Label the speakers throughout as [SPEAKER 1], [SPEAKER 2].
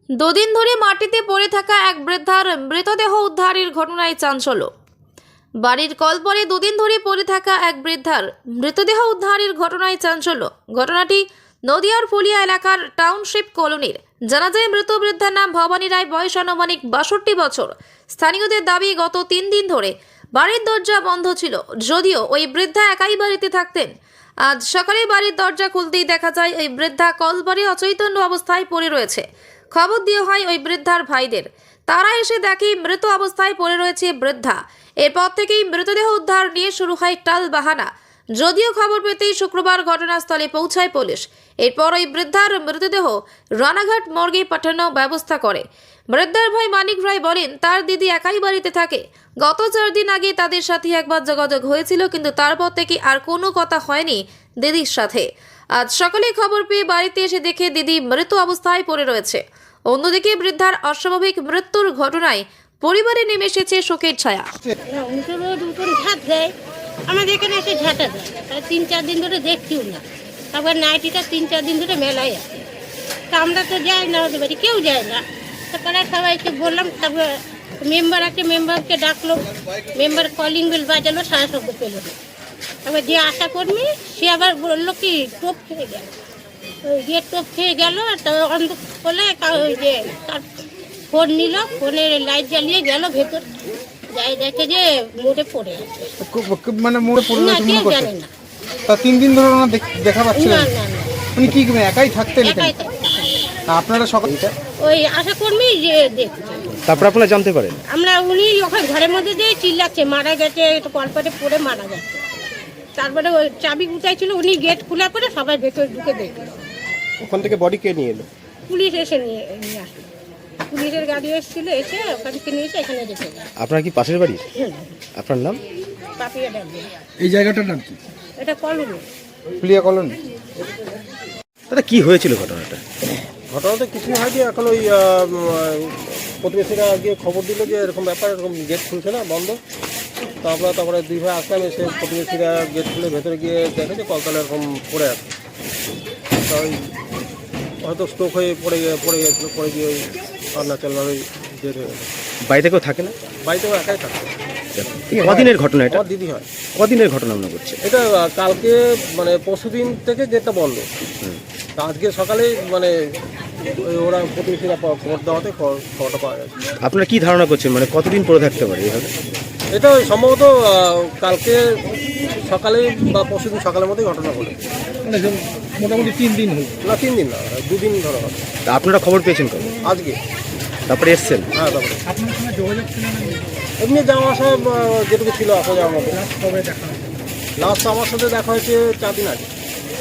[SPEAKER 1] দুদিন ধরে মাটিতে পড়ে থাকা এক বৃদ্ধার মৃতদেহ উদ্ধারের ঘটনায় চাঞ্চল্য। বাড়ির কলপরে দুদিন ধরে পড়ে থাকা এক বৃদ্ধার মৃতদেহ উদ্ধারের ঘটনায় চাঞ্চল্য। ঘটনাটি নদিয়ার ফুলিয়া এলাকার টাউনশিপ কলোনির। জানা যায় মৃত বৃদ্ধার নাম ভবানী রায়, বয়স আনুমানিক 62 বছর। স্থানীয়দের দাবি গত 3 দিন ধরে বাড়ির দরজা বন্ধ ছিল, যদিও ওই বৃদ্ধা একাই বাড়িতে থাকতেন। আজ সকালে বাড়ির দরজা খুলতেই দেখা যায় ওই বৃদ্ধা কলপরে অচৈতন্য অবস্থায় পড়ে রয়েছে। খবর দেওয়া হয় ওই বৃদ্ধার ভাইদের। তারা এসে দেখে মৃত অবস্থায় পড়ে রয়েছে বৃদ্ধা। এরপর থেকেই মৃতদেহ উদ্ধার নিয়ে শুরু হয় টাল বাহানা। যদিও খবর পেতেই শুক্রবার ঘটনাস্থলে পৌঁছায় পুলিশ। এরপর ওই বৃদ্ধার মৃতদেহ রানাঘাট মর্গে পাঠানোর ব্যবস্থা করে। বৃদ্ধার ভাই মানিক রায় বলেন, তার দিদি একাই বাড়িতে থাকে। গত 4 দিন আগে তাদের সাথে একবার যোগাযোগ হয়েছিল, কিন্তু তারপর থেকে আর কোনো কথা হয়নি দিদির সাথে। আজ সকালে খবর পেয়ে বাড়িতে এসে দেখে দিদি মৃত অবস্থায় পড়ে রয়েছে। অন্যদিকে বৃদ্ধার অস্বাভাবিক মৃত্যুর ঘটনায় পরিবারে নেমে এসেছে শোকের ছায়া।
[SPEAKER 2] আমাদের এখানে এসে ঝাঁটা দেয়, 3-4 দিন ধরে দেখছিও না। তারপর নাইটিটা 3-4 দিন ধরে মেলায় আছে। তা আমরা তো যাই না, ওদের বাড়ি কেউ যায় না। তারপরে সবাইকে বললাম, তারপর মেম্বার আছে, মেম্বারকে ডাকলো, মেম্বার কলিং বেল বাজালো, সারা শব্দ পেল না। তারপর যে আশা কর্মী সে আবার বললো কি টোপ খেয়ে গেল, ওই গিয়ে টোপ খেয়ে গেল। তারপর অন্ধ বলে ওই যে তার ফোন নিল, ফোনের লাইট জ্বালিয়ে গেল ভেতর, যাই দেখে যে মোড়ে পড়ে আছে।
[SPEAKER 3] মানে মোড়ে পড়ে
[SPEAKER 2] না,
[SPEAKER 3] আছে
[SPEAKER 2] কেউ
[SPEAKER 3] মনে করছে।
[SPEAKER 2] জানে না।
[SPEAKER 3] তা 3 দিন ধরে ওনা দেখা পাচ্ছিলেন?
[SPEAKER 2] না না না,
[SPEAKER 3] উনি কি একাই থাকতেন এখানে?
[SPEAKER 2] একাই থাকতে।
[SPEAKER 3] আপনারা সকালে
[SPEAKER 2] ওই আশা কর্মী যে দেখছে।
[SPEAKER 4] তারপর আপনারা জানতে পারেন?
[SPEAKER 2] আমরা উনি ওখানে ঘরের মধ্যে দিয়ে চিল্লাচ্ছে মারা গেছে, একটু কলপাটে পড়ে মারা গেছে। তারপরে ওই চাবি গুটাই ছিল, উনি গেট খোলা করে সবাই ভেতরে ঢুকে দেখলো।
[SPEAKER 4] ওখান থেকে বডি কে নিয়ে এলো?
[SPEAKER 2] পুলিশ এসে নিয়ে আসলো, পুলিশের গাড়ি এসেছিল, এসে ওখান থেকে নিয়ে এসে এখানে রেখে গেল।
[SPEAKER 4] আপনার কি পাশের বাড়ি? আপনার নাম?
[SPEAKER 2] পাপিয়া ডাকবে।
[SPEAKER 3] এই জায়গাটার নাম কি?
[SPEAKER 2] এটা কলমি
[SPEAKER 3] ফুলিয়া কলোনি।
[SPEAKER 4] দাদা কি হয়েছিল ঘটনাটা?
[SPEAKER 5] ঘটনাটা কিছুই হয়নি। এখন ওই প্রতিবেশীরা গিয়ে খবর দিল যে এরকম ব্যাপার, এরকম গেট খুলছে না, বন্ধ। তো আমরা তারপরে 2 ভাই আসলাম, এসে প্রতিবেশীরা গেট খুলে ভেতরে গিয়ে দেখে যে কলতলা এরকম পড়ে আছে। তো ওই হয়তো স্ট্রোক হয়ে পড়ে গিয়েছিল, পড়ে গিয়ে ওই অরুণাচলভাবে ডেট হয়ে গেল।
[SPEAKER 4] বাড়িতে কেউ থাকে না?
[SPEAKER 5] বাড়িতেও একাই থাকে।
[SPEAKER 4] কদিনের ঘটনা এটা?
[SPEAKER 5] আমার দিদি হয়।
[SPEAKER 4] কদিনের ঘটনা মনে করছে?
[SPEAKER 5] এটা কালকে মানে পরশুদিন থেকে গেটটা বন্ধ। তা আজকে সকালে মানে ওরা প্রতিবেশীরা খবর দেওয়াতে খবরটা পাওয়া গেছে।
[SPEAKER 4] আপনারা কি ধারণা করছেন, মানে কতদিন পরে থাকতে পারে এইভাবে?
[SPEAKER 5] এটা ওই সম্ভবত কালকে সকালে বা পরশুদিন সকালের মধ্যেই ঘটনা ঘটে।
[SPEAKER 3] মোটামুটি 3 দিন হল
[SPEAKER 5] না, 3 দিন না, 2 দিন ধরে হবে।
[SPEAKER 4] তা আপনারা খবর পেয়েছেন কবে?
[SPEAKER 5] আজকে।
[SPEAKER 4] তারপরে এসছেন?
[SPEAKER 5] হ্যাঁ, তারপরে
[SPEAKER 3] আপনার সঙ্গে যোগাযোগ ছিল না?
[SPEAKER 5] এমনি যাওয়া আসা যেটুকু ছিল আসা যাওয়ার মতো।
[SPEAKER 3] কবে দেখা?
[SPEAKER 5] লাস্ট আমার সাথে দেখা হয়েছে 4 দিন আগে।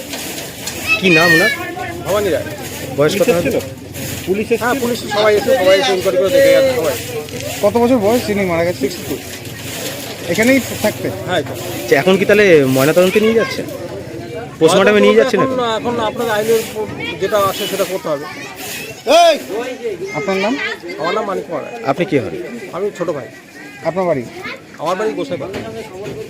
[SPEAKER 4] কি নাম ওনার?
[SPEAKER 5] ভবানী রায়।
[SPEAKER 4] বয়স কত হবে?
[SPEAKER 5] হ্যাঁ, পুলিশ সবাই এসে ইনকোয়ারি করে দেখে গেছে সবাই।
[SPEAKER 3] কত বছর বয়স তিনি মারা গেছে?
[SPEAKER 5] 62।
[SPEAKER 3] এখানেই থাকতেন?
[SPEAKER 5] হ্যাঁ, এটা
[SPEAKER 4] আচ্ছা, এখন কি তাহলে ময়নাতদন্তে নিয়ে যাচ্ছেন? পোস্টমর্টমে নিয়ে যাচ্ছেন?
[SPEAKER 5] এখন আপনার আইনের যেটা আছে সেটা করতে হবে।
[SPEAKER 3] আপনার নাম?
[SPEAKER 5] আমার নাম মানিক কুমার রায়।
[SPEAKER 4] আপনি কি হন?
[SPEAKER 5] আমি ছোট ভাই।
[SPEAKER 3] আপনার বাড়ি?
[SPEAKER 5] আমার বাড়ি গোসাইপাড়া।